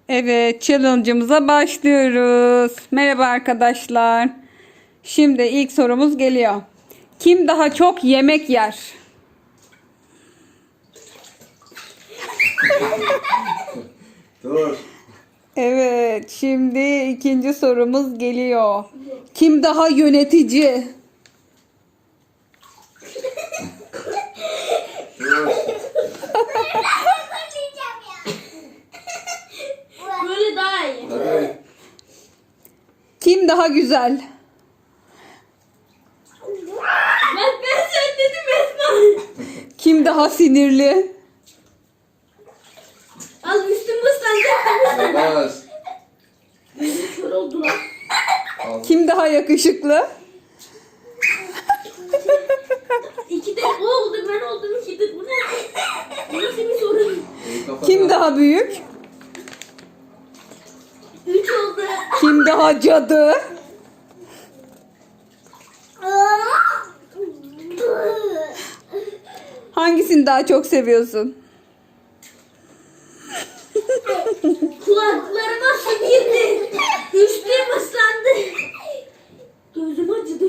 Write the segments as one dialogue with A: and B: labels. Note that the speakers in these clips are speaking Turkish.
A: Evet, challenge'ımıza başlıyoruz. Merhaba arkadaşlar. Şimdi ilk sorumuz geliyor. Kim daha çok yemek yer?
B: Dur.
A: Evet, şimdi ikinci sorumuz geliyor. Kim daha yönetici?
B: Dur.
C: Böyle daha iyi.
B: Hadi.
A: Kim daha güzel?
C: Bak ben sen dedim Esma.
A: Kim daha sinirli?
C: Al üstüm ıslanacak.
B: Yavaş.
C: Kör oldular.
A: Kim daha yakışıklı?
C: İki de o oldu ben oldum ikidir. Bu ne? Bu nasıl bir sorun?
B: İyi kapat.
A: Kim daha büyük?
C: Üç oldu.
A: Kim daha cadı? Hangisini daha çok seviyorsun?
C: Kulaklarıma su girdi. Üstüm ıslandı. Gözüm acıdı.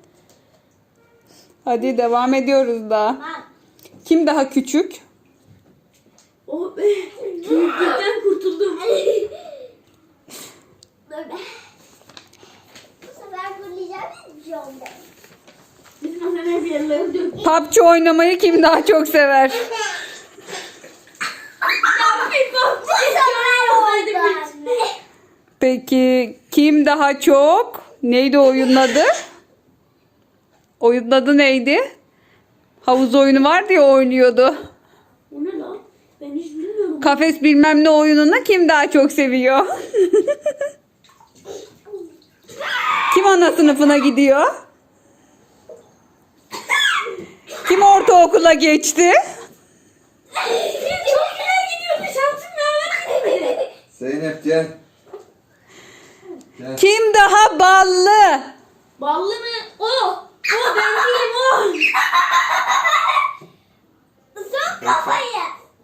A: Hadi devam ediyoruz da. Kim daha küçük?
C: Oh be. Büyüklükten kurtuldum.
D: Bu sefer fırlayacağım hiçbir şey oldu.
C: Bizim anneler bir yerlere döktü.
A: PUBG oynamayı kim daha çok sever?
D: Bu sefer oldu anne.
A: Peki kim daha çok? Neydi oyunun adı? Oyunun adı neydi? Havuz oyunu vardı ya oynuyordu.
C: O ne lan? Ben hiç bilmiyorum.
A: Kafes bilmem ne oyununu kim daha çok seviyor? Kim ana sınıfına gidiyor? Kim ortaokula geçti?
C: Çok güzel gidiyordu. Şansım yaver gidemedi.
B: Zeynep gel. Gel.
A: Kim daha ballı?
C: Ballı mı? O. O ben değilim o.
D: Son kafayı.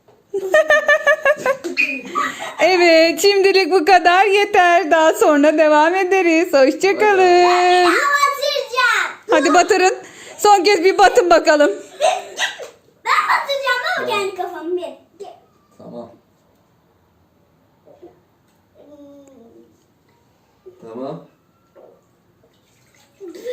A: Evet, şimdilik bu kadar yeter. Daha sonra devam ederiz. Hoşçakalın.
D: Batıracağım.
A: Hadi batırın. Son kez bir batın bakalım.
D: Ben batıracağım ama kendi kafamı bir.
B: Tamam. Tamam.